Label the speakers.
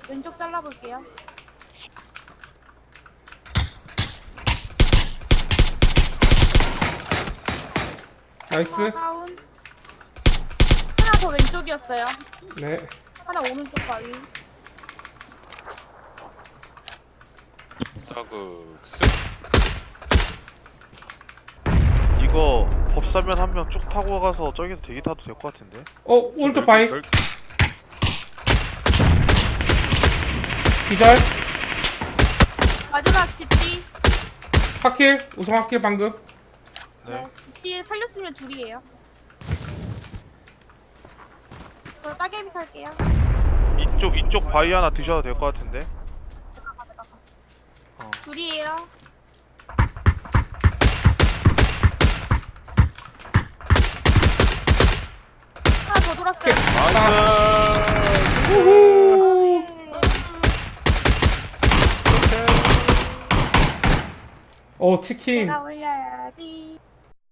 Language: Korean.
Speaker 1: 왼쪽 잘라볼게요.
Speaker 2: 나이스.
Speaker 1: 다운. 하나 더 왼쪽이었어요.
Speaker 2: 네.
Speaker 1: 하나 오른쪽 바위.
Speaker 3: 사그
Speaker 4: 이거 법사면 한 명 쭉 타고 가서 저기서 대기 타도 될 것 같은데.
Speaker 2: 오른쪽 바위.
Speaker 3: 열-
Speaker 2: 기절.
Speaker 1: 마지막 집뒤.
Speaker 2: 하킬. 우성 하킬 방금.
Speaker 1: 네. 집뒤에 살렸으면 둘이에요. 저 따개비 탈게요.
Speaker 4: 이쪽 바위 하나 드셔도 될 것 같은데.
Speaker 1: 둘이에요. 하나 더 돌았어요.
Speaker 4: 나이스.
Speaker 2: 우후. 치킨.
Speaker 1: 내가 올려야지.